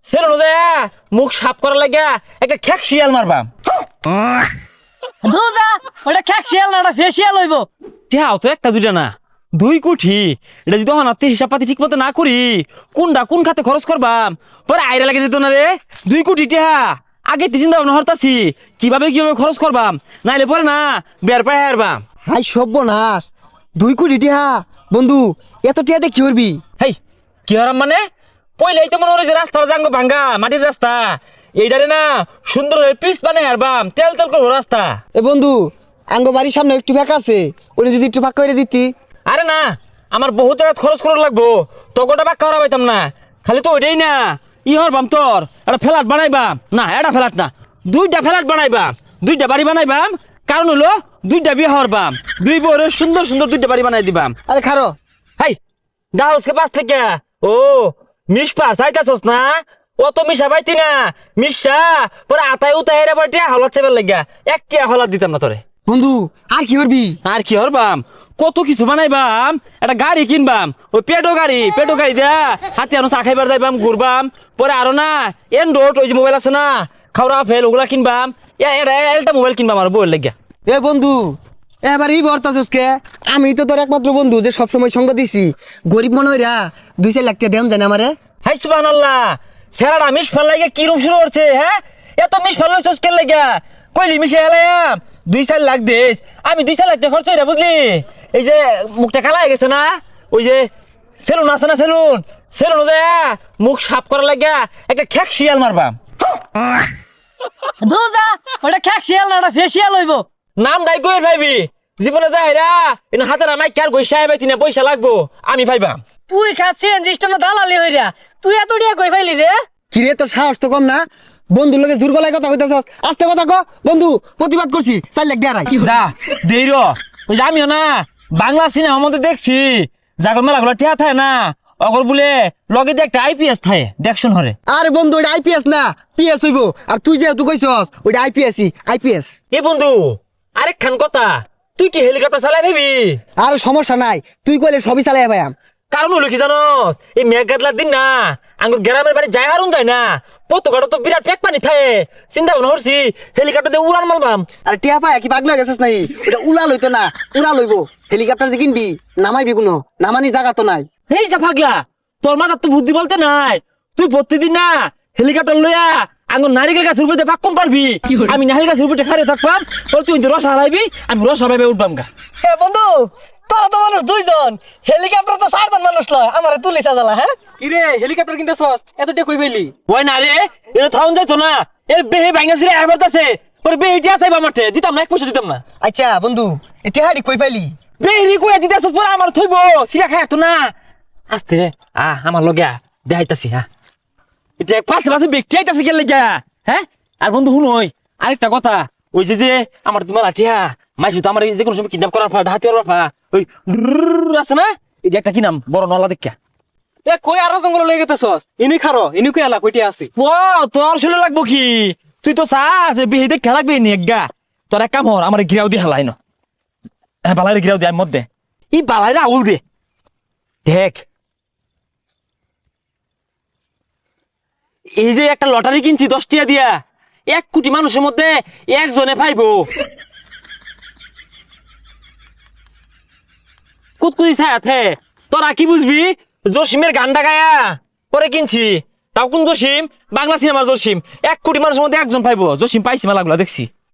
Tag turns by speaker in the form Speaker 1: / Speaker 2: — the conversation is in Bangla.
Speaker 1: সেলুন দে মুখ সাফ করার লাগা একটা খ্যাক শিয়াল মারবাম।
Speaker 2: দুজা ওটা খ্যাকশিয়াল না, ওটা ফেসিয়াল হইব।
Speaker 1: টিহাও তো একটা দুইটা না, 2 কোটি। এটা যদি হাতে হিসাব পাতি ঠিক মতো না করি, কোনটা কোন খাতে খরচ করবাম পরে আইরা লাগে যেত না রে। 2 কোটি টিহা আগে চিন্তা ভাবনা হরতাছি কিভাবে কিভাবে খরচ করবাম, নাইলে পরে না বের পায় হারবাম।
Speaker 3: হাই সর্বনাশ, 2 কোটি টিহা বন্ধু, এত টিহাতে কি করবি?
Speaker 1: হেই কি হারাম মানে, পয়লাই তো মনে হয় যে রাস্তার জাঙ্গ ভাঙ্গা মাটির রাস্তা, এইটারে না সুন্দর পিস বানাই হারবাম, তেল তেল করবো রাস্তা।
Speaker 3: এ বন্ধু, আঙ্গ বাড়ির সামনে একটু ফাঁকা আছে, ওরে যদি একটু ফাঁকা করে দিতি।
Speaker 1: আরে না, আমার বহুত জায়গা খরচ করা লাগবো, তকটা বাক্কা হারা পাইতাম না। খালি তো ওইটাই না, ই হরবাম তোর একটা ফ্ল্যাট বানাইবাম, না এটা ফ্ল্যাট না, 2টা ফ্ল্যাট বানাইবাম, 2টা বাড়ি বানাইবাম। কারণ হলো 2টা বিয়ে হরবাম, 2 বউরে সুন্দর সুন্দর 2টা বাড়ি বানাই দিবাম।
Speaker 3: আরে খারো,
Speaker 1: হাই গাছকে 5 থেকে ও মিশপা চাইতাছস না, অত মিশা পাইতি না, মিশা পরে আতাই উতাই এর পরে টিয়া হলাত চেবেল লাগিয়া একটা হলাত দিতাম না তোরে।
Speaker 3: বন্ধু আর কি করবি?
Speaker 1: আর কি হরবাম, কত কিছু বানাইবাম, একটা গাড়ি কিনবাম, ওই পেটো গাড়ি দেয়া হাতে আনো চা খাইবার যাইবাম, ঘুরবাম। পরে আরো না এন্ড্রয়েড ওই যে মোবাইল আছে না খাওয়া ফেল, ওগুলা কিনবাম। একটা মোবাইল কিনবাম আর বউয়ের লাগিয়া।
Speaker 3: এ বন্ধু, এবার এই বর্তাছসকে, আমি তো তোর একমাত্র বন্ধু যে সবসময় সঙ্গ দিছি। গরিব মনে হইরা 2-4 লাখ টাকা দেন জানে আমারে।
Speaker 1: হাই সুবহানাল্লাহ, সেরাটা মিশ ফেল লাগে কি রুম শুরু করছে। হ্যাঁ এত মিশ ফেল লইছস কেন লাগা, কইলি মিশে এলাম 2-4 লাখ দিস, আমি 2-4 লাখ টাকা খরচ হইরা বুঝলি। এই যে মুখটা কালা হয়ে গেছে না, ওই যে সেলুন আছে না, সেলুন দে মুখ সাফ করার লাগা একটা খ্যাক শিয়াল মারবাম।
Speaker 2: দুজা ওটা খ্যাকশিয়াল না, ওটা ফেসিয়াল হইব।
Speaker 1: নাম দাই কই ভাইবি, জীবনে যাইরা ইন হাতে নামাই কার গইসা আইবাইতি না, পয়সা লাগবো আমি ভাইবাম।
Speaker 2: তুই খাচ্ছেন জিস্টন দালালি হইরা, তুই এত ডিয়া কই ফাইলি রে?
Speaker 3: কিরে তোর সাহস তো কম না, বন্ধুর লগে জোর গলায় কথা কইতাছস। আস্তে কথা ক বন্ধু, প্রতিবাদ করছি 4 লাখ দেয়ারাই।
Speaker 1: যা দেই র, ওই যে আমিও না বাংলা সিনেমার মধ্যে দেখছি জাগর মেলাগুলো টিয়া থাকে না, অগর বলে লগে দিয়ে একটা আইপিএস থাকে দেখশন হরে।
Speaker 3: আরে বন্ধু, ওইটা আইপিএস না পিএস হইব। আর তুই যেহেতু কইছস ওইটা আইপিএস।
Speaker 1: এ বন্ধু আরেক খান কথা, তুই কি হেলিকপ্টার চালাই ভাবি?
Speaker 3: আর সমস্যা নাই, তুই কইলে সবই চালাই ভাইয়াম।
Speaker 1: কারণ হলো কি জানস, এই মেঘ গাদলার দিন না আঙ্গুর গ্রামের বাড়ি যাই হারুন যায় না, পতকাটা তো বিরাট পেক পানি থাকে। চিন্তা ভাবনা করছি হেলিকপ্টার দিয়ে উড়ান মারবাম।
Speaker 3: আর টিয়া পায় কি পাগলা গেছিস নাই? ওটা উড়া লইতো না, উড়া লইব। হেলিকপ্টার যে কিনবি নামাইবি কোনো, নামানির জায়গা তো নাই।
Speaker 1: এই যা পাগলা, তোর মাথার তো বুদ্ধি বলতে নাই। তুই প্রতিদিন না হেলিকপ্টার লইয়া আঙ্গুর নারিকেল গাছের উপরে পাক্কন পারবি, আমি নারিকেল গাছের উপরে খারে থাকবাম, তুই রস হারাইবি, আমি রস হারাইবে উঠবাম গা।
Speaker 2: এ বন্ধু, তোরা তো মানুষ 2জন, হেলিকপ্টার তো 4জন মানুষ লয়, আমারে তুলি সাজালা। হ্যাঁ
Speaker 3: কিরে হেলিকপ্টার কিনতেছস, এত টিয়া কই পাইলি?
Speaker 1: ওই না রে, এটা থাউন যাইতো না, এর বেহে ভাঙ্গা ছিঁড়ে আবার আছে, ওর বেহেটি আছে মাঠে, দিতাম না, 1 পয়সা দিতাম না।
Speaker 3: আচ্ছা বন্ধু, এ টিয়াহাড়ি কই পাইলি?
Speaker 1: বেহেরি কইয়া দিতে আসছ পরে আমার থইব, সিরা খায় তো না। আস্তে আমার লগে দেখাইতাছি। হ্যাঁ এটা পাশে পাশে ব্যক্তি আইতাছে গেলে গা। হ্যাঁ আর বন্ধু শুনই আরেকটা কথা, ওই যে আমার তোমার আঠিয়া মাইসু তো আমার যে কোনো সময় কিডন্যাপ করার ফা, হাতিয়ার ফা, ওই আছে না, এটা একটা কি নাম বড় নলা দেখা।
Speaker 4: এ কই আরো জঙ্গল লয়ে গেতেছস? ইনি খারো, ইনি কই আলা কইতে আছে?
Speaker 1: ও তোর শুনে লাগবো কি, তুই তো চাস বিহি দেখে লাগবে নি গা। তোর এক কাম হর, আমার গিরাও দিয়ে হালাই ন। হ্যাঁ বালাইরে গিরাও দিয়ে আমি মধ্যে ই বালাইরে আউল দে দেখ। এই যে একটা লটারি কিনছি 10 টাকা দিয়া, 1 কোটি মানুষের মধ্যে একজনে পাইবো। কুতকুতি ছায়াতে তোরা কি বুঝবি, জসিমের গানটা গায়া পরে কিনছি। তাও কোন জসিম, বাংলা সিনেমার জসিম। 1 কোটি মানুষের মধ্যে একজন পাইবো, জসিম পাইছি মেলাগুলা দেখছি।